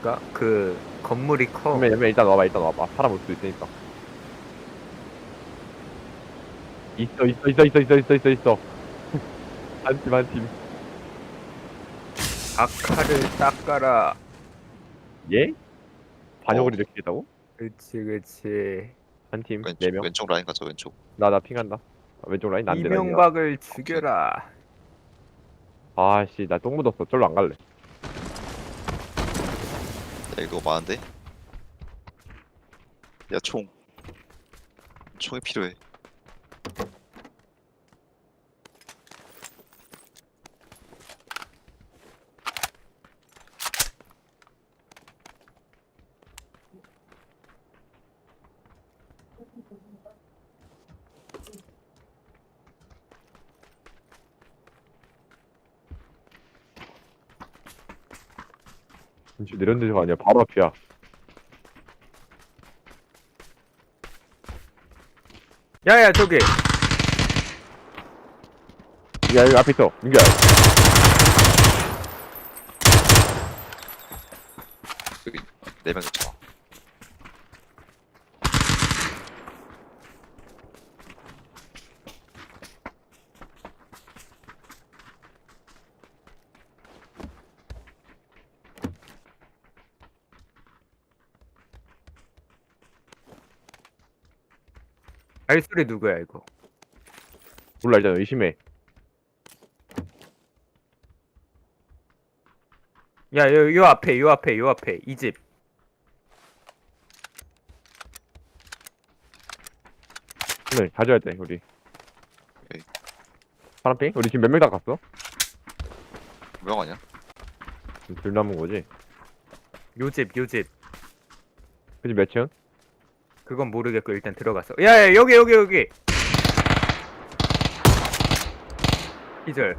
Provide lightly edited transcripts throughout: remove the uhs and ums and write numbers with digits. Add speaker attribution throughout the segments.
Speaker 1: 그러니까 그 건물이 커.
Speaker 2: 그러면 일단 와봐. 사람 올 수 있으니까. 있어. 한 팀.
Speaker 1: 아카를 닦아라.
Speaker 2: 예?
Speaker 3: 어,
Speaker 2: 반역을 이렇게 했다고?
Speaker 1: 그치.
Speaker 2: 한 팀,
Speaker 3: 왼쪽
Speaker 2: 4명.
Speaker 3: 왼쪽 라인 가자 왼쪽.
Speaker 2: 나 핑한다. 왼쪽 라인 난데 라인이야.
Speaker 1: 이명박을
Speaker 3: 오케이.
Speaker 1: 죽여라.
Speaker 2: 아씨, 나 똥 묻었어. 절로 안 갈래.
Speaker 3: 야 이거 많은데? 야 총이 필요해.
Speaker 2: 진짜 내렸는 데가 아니야. 바로 앞이야.
Speaker 1: 야야 저기.
Speaker 2: 야, 여기 앞에 있어. 민규야.
Speaker 3: 여기 4명 있잖아.
Speaker 1: 알소리 누구야 이거?
Speaker 2: 몰라, 일단 의심해.
Speaker 1: 야, 요 앞에 이 집.
Speaker 2: 오늘 가져야 돼, 우리.
Speaker 3: 오케이.
Speaker 2: 파란핑? 우리 지금 몇 명 다 갔어?
Speaker 3: 명 아니야?
Speaker 2: 지금 둘 남은 거지?
Speaker 1: 요 집.
Speaker 2: 그지 몇 층?
Speaker 1: 그건 모르겠고 일단 들어갔어. 야야 여기. 기절.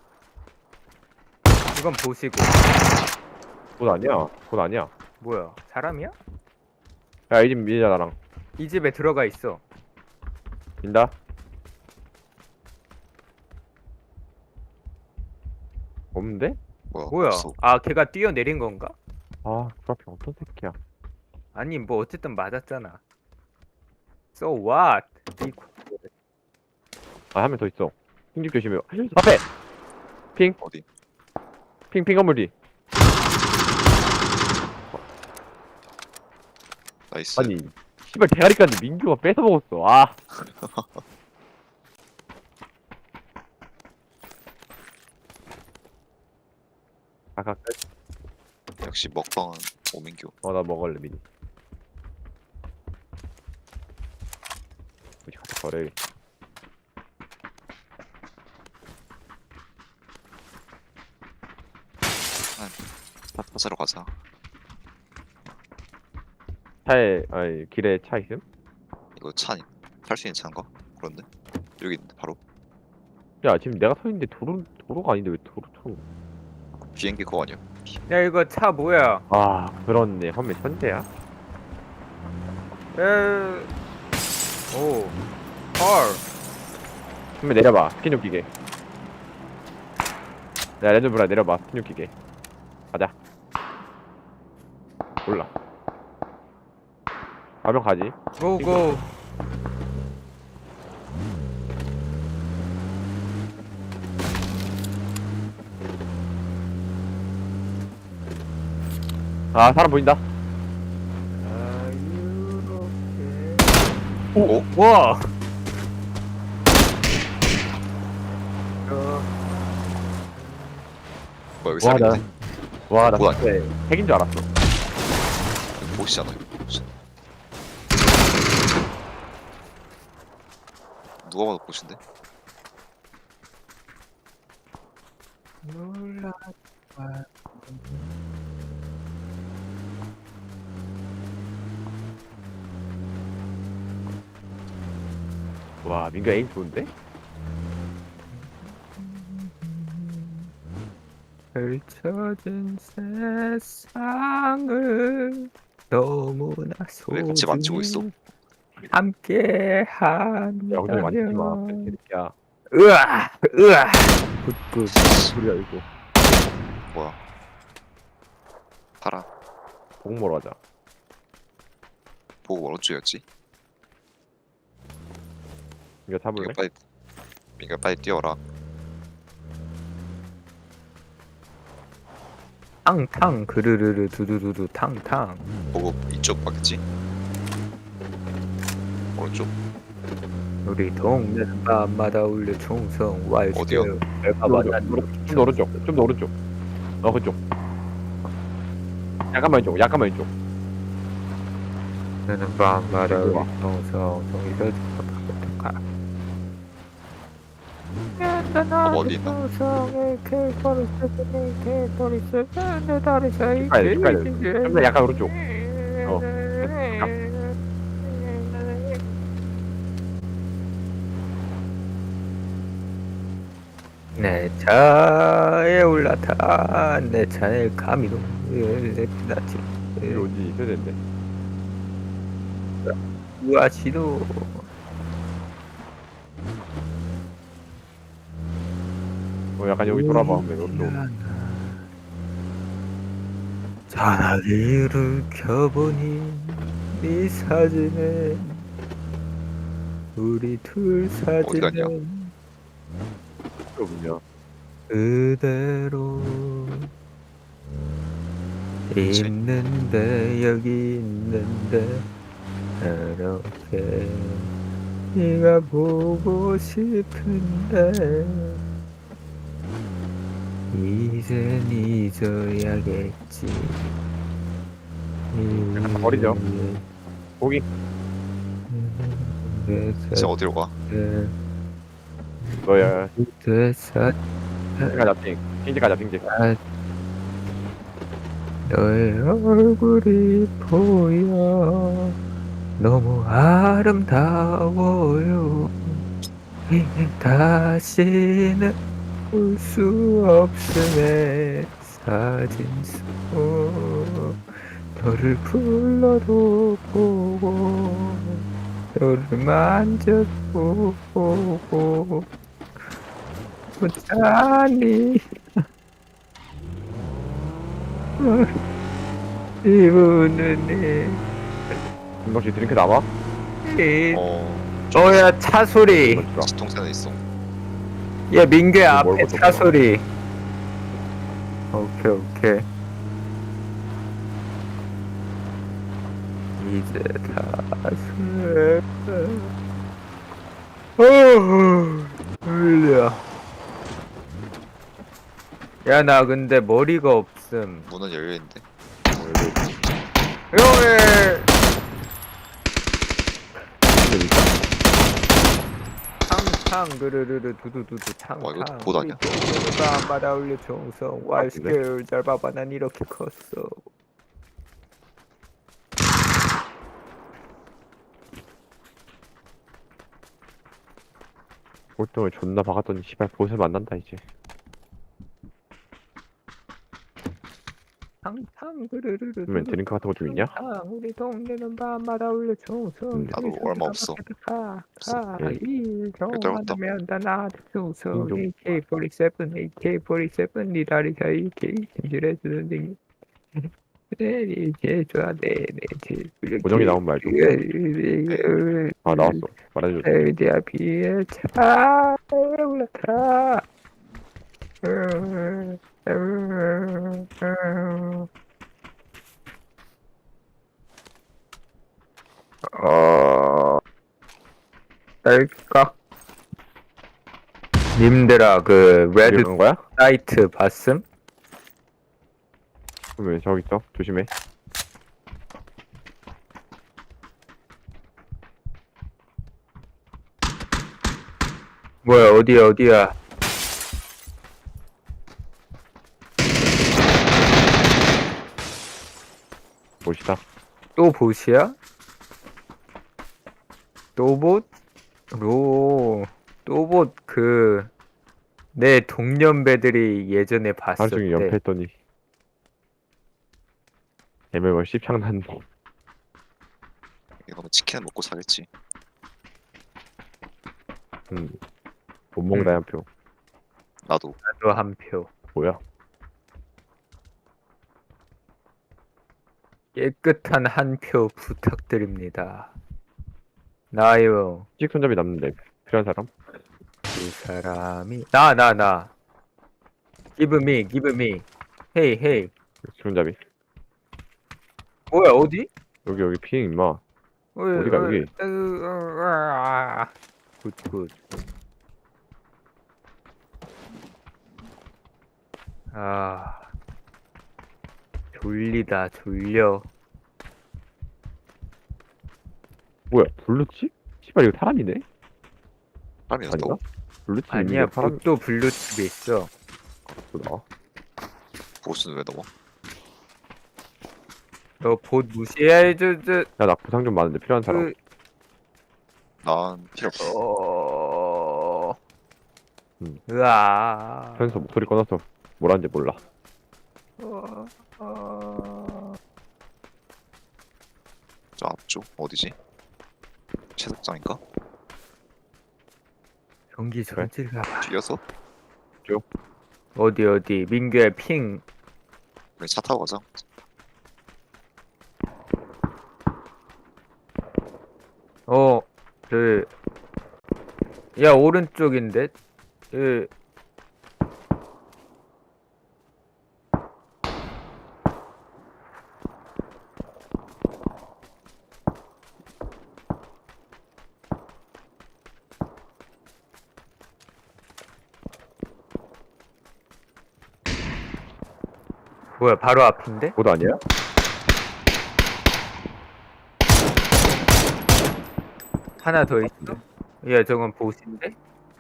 Speaker 1: 이건 보시고.
Speaker 2: 곧 아니야.
Speaker 1: 뭐야? 사람이야?
Speaker 2: 야, 이 집 미자, 나랑.
Speaker 1: 이 집에 들어가 있어.
Speaker 2: 민다? 없는데?
Speaker 1: 뭐야?
Speaker 3: 없어.
Speaker 1: 아 걔가 뛰어내린 건가?
Speaker 2: 아, 그 앞에 어떤 새끼야.
Speaker 1: 아니 뭐 어쨌든 맞았잖아. So what?
Speaker 2: 아, 한 명 더 있어. 핑집 조심해. 앞에! 핑
Speaker 3: 어디?
Speaker 2: 건물 뒤.
Speaker 3: 나이스.
Speaker 2: 아니, 씨발 대가리까지 민규가 뺏어 먹었어. 아. 아까
Speaker 3: 역시 먹방은 오민규.
Speaker 2: 나 먹을래 미니. 우리 같이 거래.
Speaker 3: 차 찾으러 가자.
Speaker 2: 아니 길에 차 있음?
Speaker 3: 이거 탈 수 있는 차인가? 그런데 여기 있는데 바로
Speaker 2: 야 지금 내가 서 있는데 도로가 아닌데 왜 도로?
Speaker 3: 비행기 그거 아니야?
Speaker 1: 야 이거 차 뭐야?
Speaker 2: 아 그렇네. 험매 천재야.
Speaker 1: 에... 오. 헐.
Speaker 2: 험매 내려봐. 스킨 웃기게. 야 레드브라 내려봐. 스킨 웃기게. 가자. 몰라. 가면 가지.
Speaker 1: 고고.
Speaker 2: 아 사람 보인다.
Speaker 3: 오?
Speaker 1: 와.
Speaker 3: 뭐야 여기
Speaker 2: 와,
Speaker 3: 사람인데?
Speaker 2: 와나
Speaker 3: 뭐야?
Speaker 2: 진짜 핵인 줄 알았어.
Speaker 3: 보시잖아 이거. 누가 봐도 보신데?
Speaker 2: 와 민규 에임 좋은데?
Speaker 1: 펼쳐진 세상을 너무나
Speaker 3: 왜 같이 만지고 있어?
Speaker 1: 함께
Speaker 2: 야 근데 만지지 마.
Speaker 1: 한다면
Speaker 2: 개새끼야.
Speaker 1: 으아 굿굿
Speaker 2: 소리야 이거.
Speaker 3: 뭐야? 팔아.
Speaker 2: 복 먹으러 가자.
Speaker 3: 보고 어느 쪽이었지?
Speaker 2: 이거 잡을래?
Speaker 3: 이거 빨리 뛰어라.
Speaker 1: 탕탕 그르르르 두두두두 탕탕.
Speaker 3: 보고 이쪽 봤겠지? 오른쪽.
Speaker 1: 우리 동네는 밤마다 울려 총성 와이스.
Speaker 3: 어디요?
Speaker 2: 좀 더 오른쪽. 좀 더 오른쪽. 그쪽. 약간만 왼쪽. 약간만 왼쪽.
Speaker 1: 나는 밤마다
Speaker 2: 이리
Speaker 1: 울려
Speaker 2: 와.
Speaker 1: 총성 성에서 가.
Speaker 3: 어디 있나?
Speaker 2: 좀 더 약간 오른쪽.
Speaker 1: 내 차에 올라타 내 차에 가미로 나지
Speaker 2: 이로 어디 있어야 되는데.
Speaker 1: 우아시도
Speaker 2: 약간 여기 돌아봐. 오른쪽.
Speaker 1: 전화기를 켜보니 네 사진에 우리 둘
Speaker 3: 어디 갔냐?
Speaker 1: 사진은
Speaker 2: 그렇군요.
Speaker 1: 그대로
Speaker 3: 그치?
Speaker 1: 있는데 여기 있는데 그렇게 네가 보고 싶은데 이젠 잊어야겠지.
Speaker 2: 약간 버리죠. 고기.
Speaker 3: 진짜 어디로 가?
Speaker 2: 너야.
Speaker 1: 됐어.
Speaker 2: 가자 띵. 띵지 가자 띵지.
Speaker 1: 너의 얼굴이 보여 너무 아름다워요. 다시는 볼 수 없음에 사진 속 너를 불러도 보고 너를 만져도 보고 못하니 이분은
Speaker 2: 혹시 드링크 남아?
Speaker 1: 어야 차 소리.
Speaker 3: 지통센에 있어.
Speaker 1: 야 민규야
Speaker 2: 뭘
Speaker 1: 앞에
Speaker 2: 벗었구나.
Speaker 1: 차 소리. 오케이. 이제 다시 울려. 야 나 근데 머리가 없음.
Speaker 3: 문은 열려 있는데.
Speaker 1: 요에 탕탕 그르르르 두두두두 탕탕.
Speaker 3: 와, 이거 보도 아니야?
Speaker 1: 밤마다 울려 총성 와이스케일 잘 봐봐 난 이렇게 컸어.
Speaker 2: 보통을 존나 박았더니 씨발 보세 만난다 이제.
Speaker 1: 탕탕 그르르르
Speaker 2: 그러면 드링크 같은 거 좀 있냐?
Speaker 1: 우리 동네는 밤마다 울려 총성.
Speaker 3: 나도 얼마 없어.
Speaker 2: 예.
Speaker 1: 일정하면 다 나한테 총성.
Speaker 2: 인종.
Speaker 1: AK47 니 다리 사이 AK 진실해주는 등. 이제 좋아 네
Speaker 2: 고정이 나온 말 좀. 아 나왔어. 말해줘.
Speaker 1: 내 앞에 차 올라타. 딸까? 님들아 그 레드
Speaker 2: 그런 거야?
Speaker 1: 사이트 봤음?
Speaker 2: 그러면 저기 있어. 조심해.
Speaker 1: 뭐야 어디야?
Speaker 2: 보시다.
Speaker 1: 또 보시야? 또봇? 또봇 그 내 동년배들이 예전에
Speaker 2: 하루
Speaker 1: 봤을
Speaker 2: 종일
Speaker 1: 때
Speaker 2: 연패했더니 애매월 씹창난.
Speaker 3: 이거 뭐 치킨 먹고 사겠지.
Speaker 2: 못 먹다 한 표.
Speaker 3: 나도.
Speaker 1: 나도 한 표.
Speaker 2: 뭐야?
Speaker 1: 깨끗한 한 표 부탁드립니다. 나요.
Speaker 2: 찍 손잡이 남는데 필요한 사람?
Speaker 1: 그 사람이 나. Give me, give me. Hey, hey.
Speaker 2: 손잡이.
Speaker 1: 뭐야 어디?
Speaker 2: 여기 피행 임마. 어디가, 여기?
Speaker 1: 굿. 아, 졸리다 졸려.
Speaker 2: 뭐야 블루칩? 씨발 이거 사람이네?
Speaker 3: 사람이었다고?
Speaker 2: 아닌가? 블루칩
Speaker 1: 아니야,
Speaker 2: 사람
Speaker 1: 봇도 블루칩이 있어.
Speaker 2: 보다.
Speaker 3: 보스는 왜 넘어?
Speaker 1: 너 봇 무시해
Speaker 2: 야나 부상 좀 많은데 필요한 사람.
Speaker 1: 그,
Speaker 3: 난 필요 없어.
Speaker 1: 으아.
Speaker 2: 편에서 목소리 꺼놔서 뭐라는지 몰라.
Speaker 3: 저 앞쪽 어디지? 채석장인가?
Speaker 1: 전기
Speaker 2: 그래?
Speaker 1: 전질가 봐.
Speaker 3: 뒤에서?
Speaker 1: 어디 민규의 핑.
Speaker 3: 우리 차 타고 가자.
Speaker 1: 야 오른쪽인데. 그 뭐야 바로 앞인데?
Speaker 2: 보도 아니야?
Speaker 1: 하나 더 있어? 야 저건 보스인데?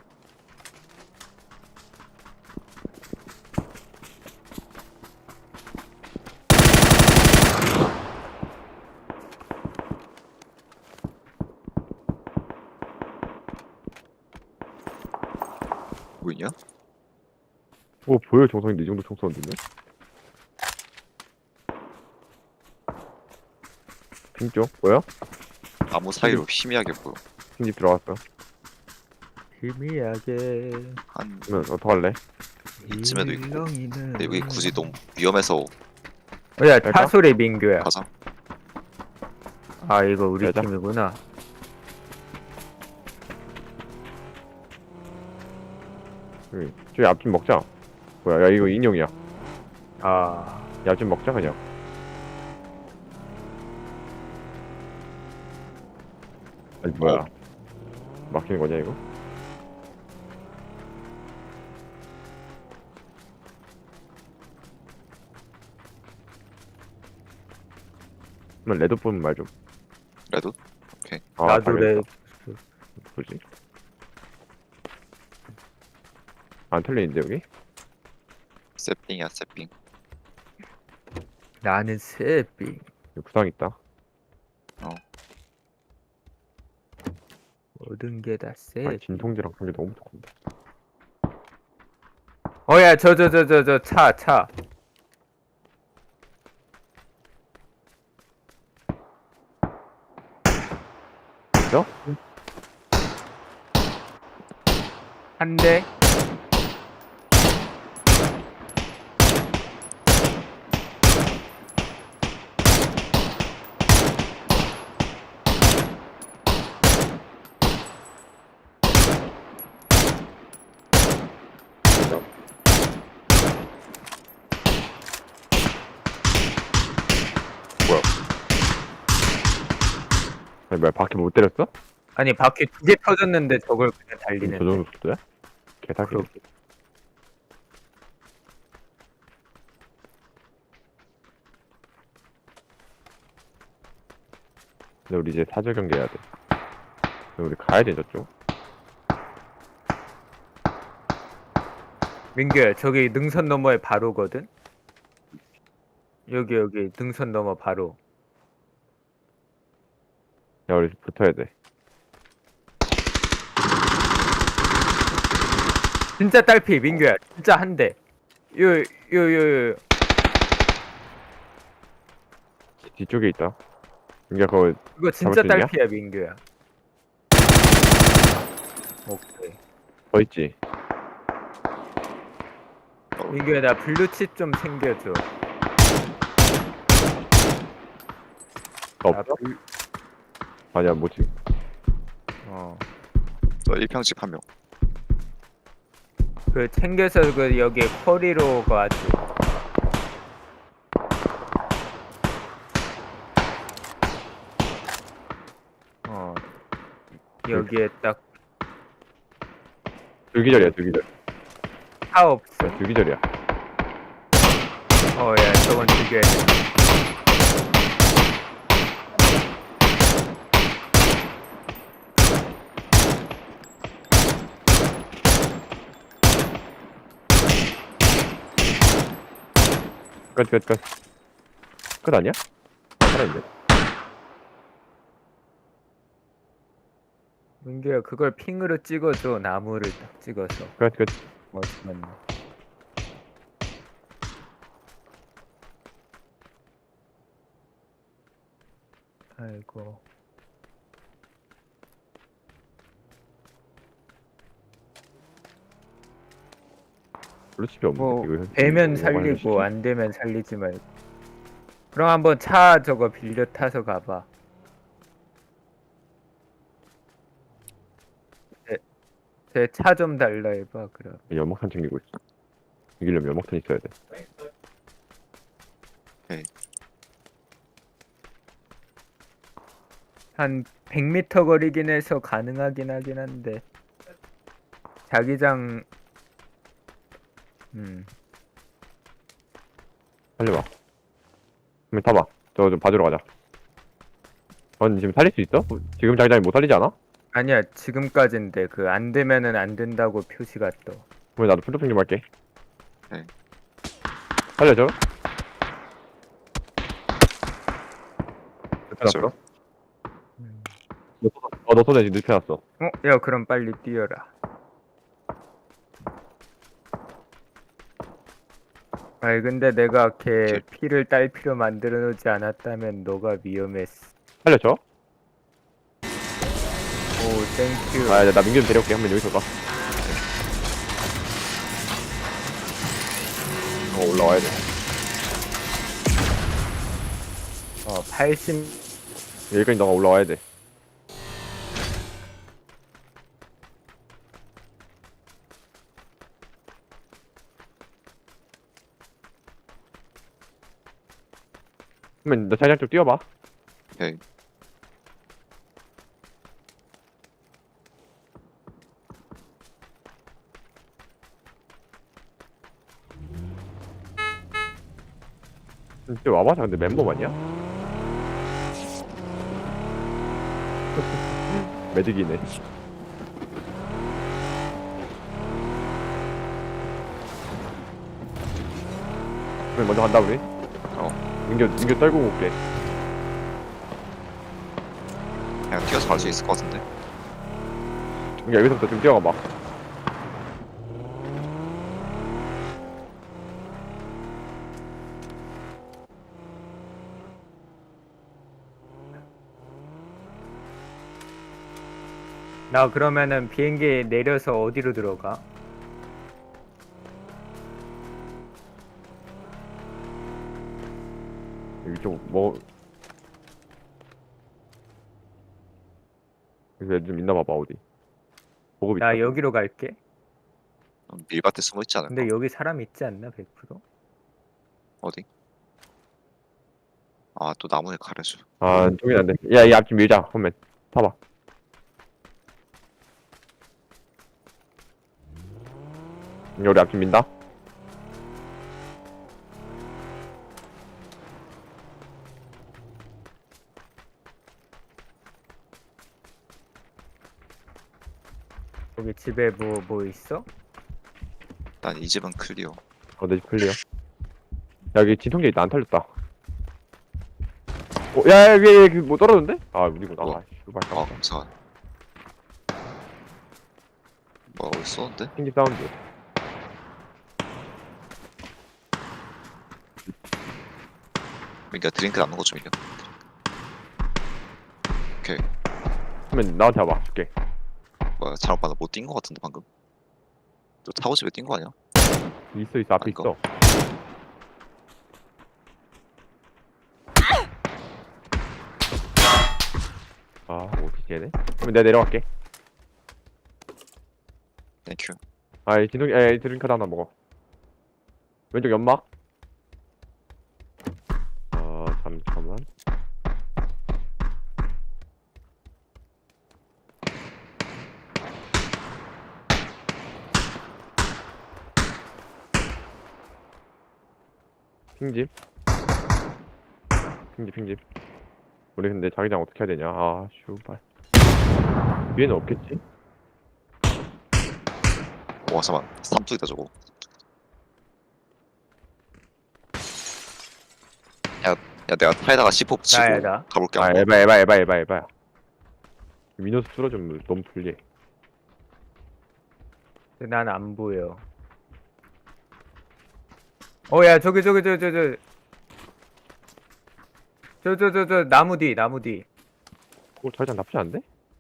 Speaker 3: 보이냐?
Speaker 2: 오 보여 정성인데 이 정도 총 쏘는데? 핑쪽 뭐야?
Speaker 3: 나무 사이로 희미하게 보여.
Speaker 2: 핑집 들어갔어.
Speaker 1: 희미하게
Speaker 3: 한
Speaker 2: 그러면 어떡할래?
Speaker 3: 이쯤에도 있고.
Speaker 1: 일렁이는
Speaker 3: 근데 여기 굳이 너무 위험해서
Speaker 1: 야
Speaker 2: 갈까?
Speaker 1: 차소리 민규야.
Speaker 3: 가자.
Speaker 1: 아 이거 우리
Speaker 2: 가자.
Speaker 1: 팀이구나.
Speaker 2: 저기 앞집 먹자. 뭐야 야 이거 인형이야.
Speaker 1: 아
Speaker 2: 야 앞집 먹자 그냥. 아니 뭐야 막히는 거냐 이거? 그럼 레드 보면 말 좀.
Speaker 3: 레드?
Speaker 2: 아,
Speaker 1: 나도
Speaker 2: 당연히.
Speaker 1: 래
Speaker 2: 뭐지? 안 틀리는데 여기?
Speaker 3: 세핑이야 세핑.
Speaker 1: 나는 새삥.
Speaker 2: 여기 구상 있다.
Speaker 1: 모든 게 다
Speaker 2: 아
Speaker 1: 새.
Speaker 2: 진통제랑 그런 게 너무 좋은데.
Speaker 1: 어야 저 차.
Speaker 2: 있어?
Speaker 1: 한 대.
Speaker 2: 아니 뭐야 바퀴 못 때렸어?
Speaker 1: 아니 바퀴 2개 터졌는데 저걸 그냥
Speaker 2: 저
Speaker 1: 달리는데.
Speaker 2: 정도 속도야? 개사기.
Speaker 1: 그러게.
Speaker 2: 근데 우리 이제 사절 경기 해야 돼. 근데 우리 가야 돼 저쪽.
Speaker 1: 민규야 저기 능선 너머에 바로거든. 여기 능선 너머 바로.
Speaker 2: 야 우리 붙어야 돼.
Speaker 1: 진짜 딸피 민규야. 진짜 한 대. 요.
Speaker 2: 뒤쪽에 있다. 그러니까 그거
Speaker 1: 이거 진짜
Speaker 2: 잡을 수 있냐?
Speaker 1: 딸피야 민규야. 오케이.
Speaker 2: 더 있지.
Speaker 1: 민규야 나 블루칩 좀 챙겨줘.
Speaker 2: 나 없어? 아니야 뭐지?
Speaker 3: 너 1평집 한 명.
Speaker 1: 그 챙겨서 그 여기 커리로 가지. 여기에 딱
Speaker 2: 둘기절이야 둘기절.
Speaker 1: 차 없어.
Speaker 2: 야, 둘기절이야.
Speaker 1: 야, 저건 죽여야 돼.
Speaker 2: 끝. 끝 아니야? 살아있네.
Speaker 1: 민규야, 그걸 핑으로 찍어줘. 나무를 딱 찍어서.
Speaker 2: 끝.
Speaker 1: 맞네. 아이고.
Speaker 2: 블루칩이 없는데
Speaker 1: 뭐
Speaker 2: 이거
Speaker 1: 되면
Speaker 2: 이거
Speaker 1: 살리고
Speaker 2: 하려고
Speaker 1: 안 되면 살리지 말고. 그럼 한번 차 저거 빌려 타서 가봐. 제 차 좀 달라 해봐. 그럼.
Speaker 2: 시키- 연막탄 챙기고 있어. 이기려면 연막탄 있어야 돼.
Speaker 1: 한 100m 거리긴 해서 가능하긴 하긴 한데 자기장
Speaker 2: 살려봐. 그럼 타봐. 저 좀 봐주러 가자. 넌 지금 살릴 수 있어? 지금 자기장이 못 살리지 않아?
Speaker 1: 아니야 지금까지인데 그 안 되면은 안 된다고 표시가 떠.
Speaker 2: 그럼 나도 풀도핑 좀 할게.
Speaker 3: 네.
Speaker 2: 살려줘.
Speaker 3: 저-
Speaker 2: 눕혀놨어? 너 손에 지금 눕혀놨어.
Speaker 1: 야 그럼 빨리 뛰어라. 아이 근데 내가 걔 피를 딸피로 만들어 놓지 않았다면 너가 위험했어.
Speaker 2: 살려줘.
Speaker 1: 오 땡큐.
Speaker 2: 나 민규 좀 데려올게. 한번 여기서 가. 올라와야 돼.
Speaker 1: 80.
Speaker 2: 여기까지 너가 올라와야 돼. 그러면 너 자기장 좀 뛰어봐.
Speaker 3: 오케이.
Speaker 2: 진짜 와봐. 근데 멤버 아니야? 매직이네. 그럼 먼저 간다 우리. 민규 떨고 올게.
Speaker 3: 그냥 뛰어서 갈 수 있을 것 같은데.
Speaker 2: 민규 여기서부터 좀 뛰어가봐.
Speaker 1: 나 그러면은 비행기 내려서 어디로 들어가?
Speaker 2: 여기 좀 뭐. 여기서 애들 좀 있나 봐봐 어디. 보급 있다.
Speaker 1: 나 여기로 갈게.
Speaker 3: 밀밭에 숨어 있지 않을까?
Speaker 1: 근데 여기 사람 있지 않나 100%?
Speaker 3: 어디? 아, 또 나무에 가려줘.
Speaker 2: 아 저긴 안 돼. 야 이 앞집 밀자. 홈맨 타봐. 우리 앞집 민다.
Speaker 1: 여기 집에 뭐 있어?
Speaker 3: 난 이 집은 클리어.
Speaker 2: 내 집 클리어. 야, 여기 진통제 있다. 안 털렸다. 야, 위에 뭐 떨어졌는데? 아, 우리구나.
Speaker 3: 뭐?
Speaker 2: 아, 씨발.
Speaker 3: 아, 감사한. 뭐야, 어디 쏘는데?
Speaker 2: 튕기 사운드.
Speaker 3: 민규야, 드링크 남는 거 좀 있냐? 오케이.
Speaker 2: 그러면 나한테 와봐. 줄게.
Speaker 3: 뭐야, 잘못 봤나? 못 뛴 거 같은데, 방금? 너 타고 집에 뛴 거 아니야?
Speaker 2: 있어, 앞에
Speaker 3: 아이고.
Speaker 2: 있어. 얘네. 그럼 내가 내려갈게.
Speaker 3: 땡큐.
Speaker 2: 아이 진동이 에이 드링크도 하나 먹어. 왼쪽 연막. 잠깐만. 핑집. 핑집. 우리 근데 자기장 어떻게 해야 되냐? 아, 슈발. 위에는 없겠지?
Speaker 3: 와 잠깐. 삼뚝이다 저거. 야 내가 타에다가 C4 붙이고
Speaker 1: 나야.
Speaker 3: 가볼게.
Speaker 2: 아,
Speaker 3: 한번.
Speaker 2: 에바야. 미노스 쓰러지면 너무 불리해.
Speaker 1: 난 안 보여. 야 저기 저 나무 뒤.
Speaker 2: 자기장 나쁘지 않은데?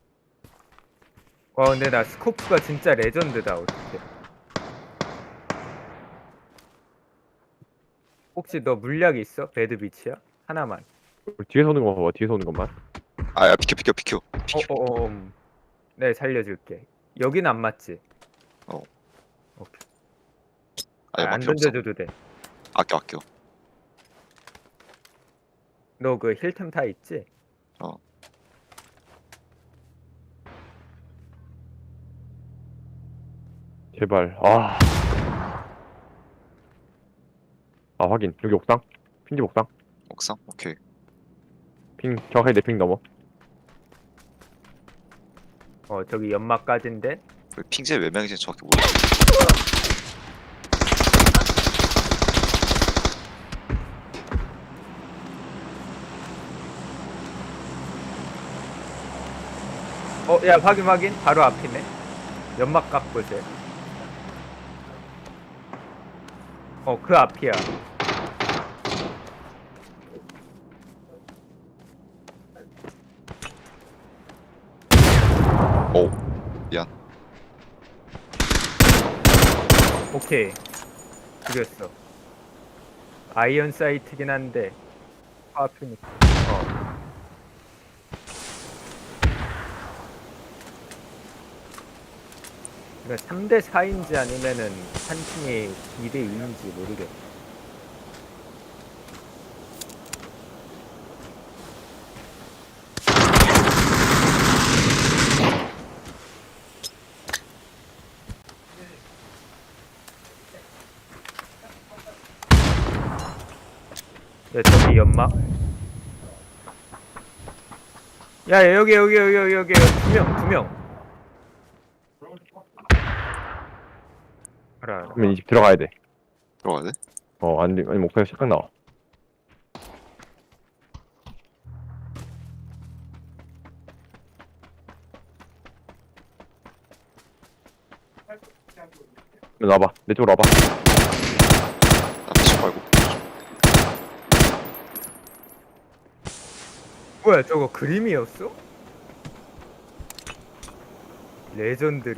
Speaker 1: 와 근데 나 스코프가 진짜 레전드다. 어떡해. 혹시 너 물약 있어? 배드비치야? 하나만.
Speaker 2: 우리 뒤에서 오는 거 봐봐, 뒤에서 오는 것만.
Speaker 3: 아야 비켜.
Speaker 1: 네 살려줄게. 여긴 안 맞지?
Speaker 3: 어.
Speaker 1: 오케이.
Speaker 3: 아야
Speaker 1: 안
Speaker 3: 필요 없어.
Speaker 1: 던져줘도 돼.
Speaker 3: 아껴.
Speaker 1: 너 그 힐템 다 있지?
Speaker 3: 어.
Speaker 2: 제발. 확인. 여기 옥상. 핑집 옥상.
Speaker 3: 옥상? 오케이.
Speaker 2: 핑, 정확하게 내 핑 넘어.
Speaker 1: 저기 연막까지인데.
Speaker 3: 그 핑제 몇 명인지 정확히 모르겠어.
Speaker 1: 야 확인. 바로 앞이네. 연막 갖고 세. 그 앞이야.
Speaker 3: 오. 미안.
Speaker 1: 오케이. 죽였어. 아이언 사이트긴 한데 앞이니까. 그러니까 3대 4인지 아니면은 한 팀이 2대 2인지 모르겠어. 야 저기 연막. 야 여기 2명. 알아.
Speaker 2: 그러면 이 집 들어가야 돼.
Speaker 3: 들어가야 돼?
Speaker 2: 아니, 목표가 시작 나와. 와봐. 내 쪽으로 와봐.
Speaker 3: 나 피치 말고.
Speaker 1: 뭐야 저거 그림이었어? 레전드.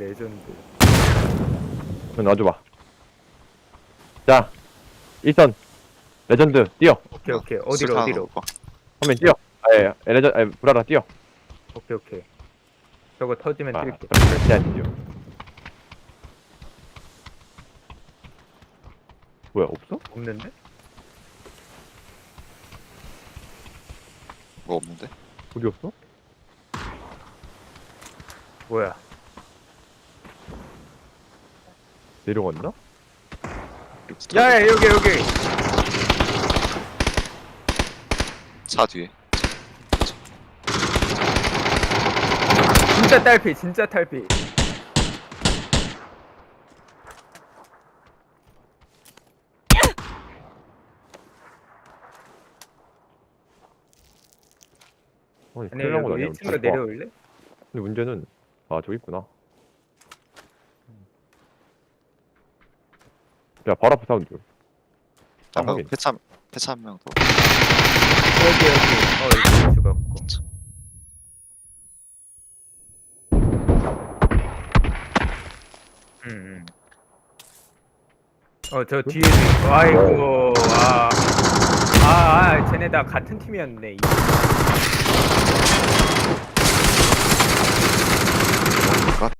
Speaker 2: 그럼 놔줘봐. 자, 일선 레전드 뛰어.
Speaker 1: 오케이. 어디로?
Speaker 2: 화면 뛰어. 브라라 뛰어.
Speaker 1: 오케이. 저거 터지면 뛸게.
Speaker 2: 절대 아니죠. 뭐야, 없어?
Speaker 1: 없는데?
Speaker 3: 뭐 없는데?
Speaker 2: 어디 없어?
Speaker 1: 뭐야?
Speaker 2: 내려갔나?
Speaker 1: 야 여기.
Speaker 3: 차 뒤에.
Speaker 1: 진짜 탈피.
Speaker 2: 아니,
Speaker 1: 아니
Speaker 2: 큰일 난거
Speaker 1: 여기
Speaker 2: 아니야?
Speaker 1: 1층으로 내려올래?
Speaker 2: 근데 문제는 저기 있구나. 야, 바로 앞에 사운드. 확인.
Speaker 3: 폐차 한 명 더.
Speaker 1: 여기. 여기 죽었고. 저 뒤에도 있고. 아이고. 쟤네 다 같은 팀이었네.